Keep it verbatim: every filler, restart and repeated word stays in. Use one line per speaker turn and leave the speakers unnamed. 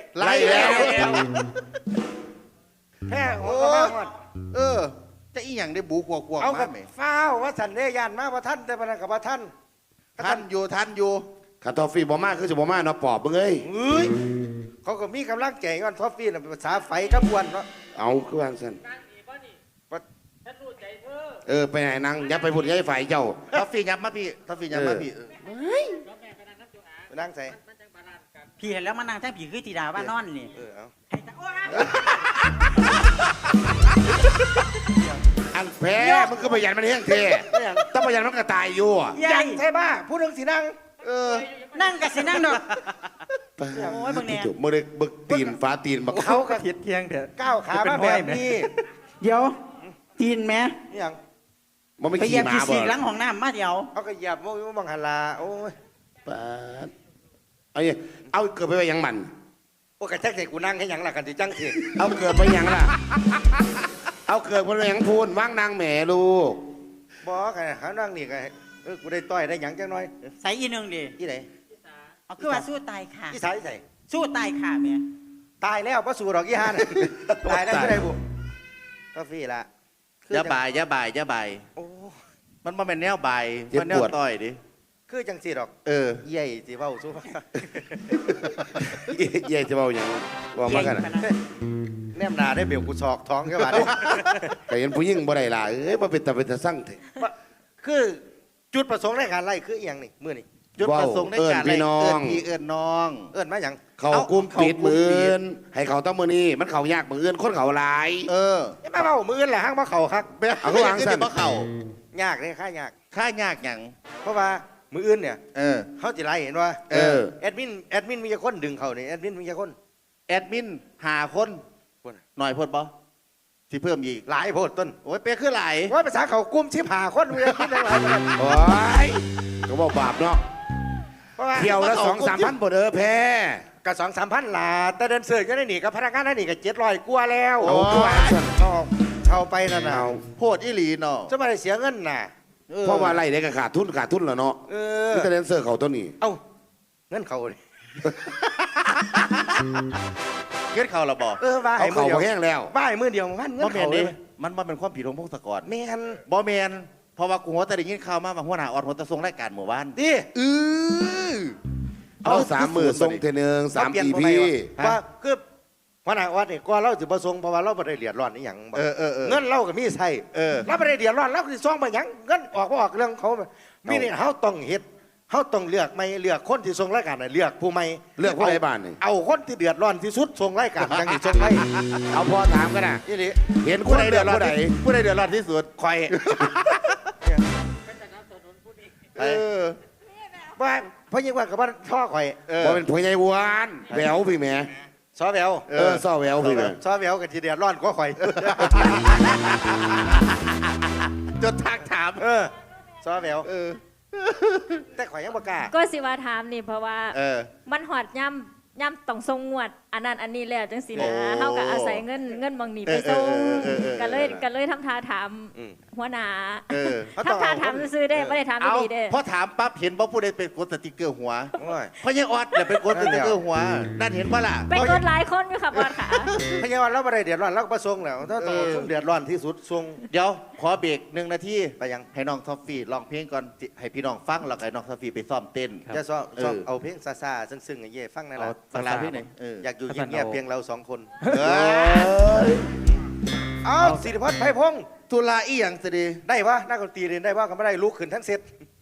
ไล่แล้ว
แพ้โอ้
เออจะอีหยังได้บูขวบขวบ
เอากั
มา
บ
ไหม
ฟ้าวว่าสันเดยานมาว่าท่านแต่พนักกับว่าท่าน
ท่านอยู่ท่านอยู่
คาทอฟฟี่บ่มาคือสิบ่มาเนาะปอบมึงเอ้ย
เฮ้ยเขาก็มีกำลังใจกันทอฟฟี่น่ะภาษาไฟกับวนเนาะ
เอาคือวางซั่น
ว่า
เออไปไหนนางอย่าไปพูดกับไอ้ฝ่ายเจ้า
ทัฟฟี่ยับมาพี่ทัฟฟี่ยับมาพี่
ไปนั่งใส่
พี่เห็นแล้วมานั่งแท้ผีคือตีดาว่านอนนี่
เออเอา
อันแพ้มึงก็ประหยัดมันแห้งเท่ต้องประหยัดมันก็ตายอยู่อะ
ยังใช่บ้าพูดเรื่องสีนั่ง
เออ
นั่งกับสินั่งดอก โอ้ยมึงเนี่ย
มึงได้บึกตีนฟ้าตีนบัก
เขาก็
เทียดเทียงเถอะ
ก้าวขามาแบบนี้
เดี๋ยวตีนแม่
นี่ยัง
มันไม่
ไปเหยี
ขี่
ยบ
หมา
ขี้
บ่
สีกหลังห้องน้ำมาเดี๋ยว
เขาก็เหยียบมุ้งบังหันลาโอ้ย
ปาดเอาเนี่ยเอาเกิดไปไว้ยังมัน
โอ้กระแทกใส่กูนั่งให้ยังหลักกันที่จังสิ
เอาเกิดไปยังล่ะ เอาเกิดไปยังพูนว่างนางแหม่ลูก
บอกไงเขานั่งนี่ไงเออกูได้ต่อยได้หยังจังน้อย
ใส่อีหนึงดิ
ที่ไหน
เอาคือว่าสู้ตายค่ะ
ที่ใส่ใส่
สู้ตายค่ะแม่
ตายแล้วพระสูดอกยี่ห้าน่ะตายแล้วที่ไหนบุทอฟฟี่ละ
อย่าบ่ายอย่าบ่ายอย่าบ่าย
โอ้
มันมาเป็นแนวบ่ายมันแนวต่อยดิ
คือจังสีดอก
เออ
ใหญ่สิเว้าสู้
เย่จะเบาอย่างว่ามากัน
เก่งขนาดนั้น
แนมหนาได้เบลกูชอกท้องแค่บาดนี้
แต่เห็นผู้หญิงบ่ได้ล่ะเอ้ยมาเป็นตาเป็นตาสั่งเถอะ
คือจุดประสงค์ในการไล่คืออหย่างนี่มื้อนี่
จุดประสงค์ในการ
เอิ้นพี่น้อง
เอิ้นพี่เอิ้นน้อง
เอิ้นมาหยัง
เขากุ้มปิดมืออื่นให้เขาต้องมือนี้มันเขายากมืออื่นคนเขาหลาย
เออ
ยังมาเว้ามื้ออื่นแหละห้างมาเข้าคัก
เอาเขาวางสั่น
บ่เข่าย
ากเลยค่ายาก
ค่ายากหยัง
เพราะว่ามื้ออื่นเนี่ย
เออ
เขาสิไล่เห็นว่า
เออ
แอดมินแอดมินมีกี่คนดึงเขานี่แอดมินมีกี่คน
แอดมินหาคน
คน
หน่อยพดบ่ที่เพิ่มอีก
หลายโพดต้น
โอ้ยเป๊ะคือหลาย
ว่าภาษาเขากลุ่มชิบหาคนมีแอดมินหลายคน
โอ้ยก็บอกบาปเนาะ
เพราะว่า
เที่ยวละสองสามพันบ่เด้อแพ้
กับสองสามพันลาแต่เดินเสือกก็ได้หนีกับพนักงานได้หนีกับเจ็ดร้อยกว่าแล้ว
เอาตัวสั่น
เอาเช่าไปนั่นน่ะ
เอา
โพดอีหลีเนาะ
จะมาได้เสียเงินน่ะ
ออ
เพราะว่าไรได้ก็ขาดทุนขาดทุนแล้วเนาะ
เออ
นี่ก็เดนเซอร์เขาตัวนี้
เอ้าเงินเขาเลย
เกิดเขาละบอก
เออบ้า
เขา
ให้มื
เขา
อเดียว
แห้งแล้ว
บ้าให้มือเดียวมันเงิ
บ่
น
แม
เขา
น
เล
ดิ
ย
มันมันเป็นความผิดของพงศกร
แมน
บ่แมนเพราะว่ากูหัวแต่ได้ยินข่าวมาว่าหัวหน้าออดหัวตะทรงรายการหมู่บ้าน
ดิ
เออ
เอาสามหมื่นทรงเทนึงสาม
เปลี่ยน
อี
คน
พี
ใหม่วะว่าคือพนักวัดนี่ก็เราจะประสงค์เพราะว่าเราไม่ได้เดือดร้อนนี่หยังบ่
เออเออเออ
เงินเราก็มีใส่
เออ
เราไม่ได้เดือดร้อนเราคือซองมาหยังเงินออกบ่ออกเรื่องเขามีนี่เขาต้องเฮ็ดเขาต้องเลือกไม่เลือกคนที่ทรงรายการน่ะเลือกผู้ไม่
เลือกผู้ใดบ้านนี่
เอาคนที่เดือดร้อนที่สุดทรงรายการจังสิทรงให้
เอาพอถามกันนะ
นี่ดิ
เห็นค
ผู้
น
ใด
เดื
เดื
อ
อ
ด
ด
ร้
ร้
อ
อน น
ไหน
ที่ผู้ใดเดือดร้อนที่สุด
คอย
เออ
ว่าเพราะยิ่งว่ากับว่าท่อคอย
เออ
บ่เป็นผัวใหญ่หวานแหววพี่แหม่
ซอแวว
เออซ่อแหววพี่แหม่
ซอแววกับที่เดือดร้อนก็คอย
จนทักถาม
เออซอแวว
เออ
แต่ข่อยยังบ่กล้า
ก็สิว่าถามนี่เพราะว่า
เออ
มันหอดย่ำย่ำต้องทรงงวด อันนั้นอันนี้แล้วจังสินะ
โอ้
เฮาก็อาศัยเงินเงินบางนี่ไปทรง
เออเออเออเออ
ก็เลยก็เลยทำท่าถาม
อืม
หัวหน้า
เออ
เขาต้อง
ทำท่า
เอา
ถามซื้อๆได้ไม่ได้ถาม
เอา
ดีๆเด้
พอถามปั๊บเห็นว่าผู้ใดเป็นกดสติกเกอร์หัว
โอ้ย
เพราะยังออดเนี่ยเป็นกดสติกเกอร์หัวนั่นเห็นปะล่ะ
ไปกดหลายคนอยู่ค่ะบอสค่ะ
พยาวันเราไม่ได้เดือดร้อนเราก็ประสงค์แล้วถ้าต้อง
เออ
ทรงเดือดร้อนที่สุดทรง
เดี๋ยวขอเบรกหนึ่งนาที
ไปยัง
ให้น้องทอฟฟี่ร้องเพลงก่อนให้พี่น้องฟังแล้วก็ให้น้องทอฟฟี่ไปซ้อมเต้น
จะซ้อม
เออ
ซ้อมเอาเพลงซาซาๆซึ้งๆไอ้เย่ฟังนั่นแห
เอา
ละ
ฟังลาพี่หน่อยเออ
อยากอยู่เงียบๆเพียงเราสองคน
เออ
เอาสิริพัฒน์ไพพงศ์
ตุลาอีหยังสิดี
ได้ปะนักดนตรีเรียนได้ปะก็ไม่ได้ลุกขึ้นทั้งเซต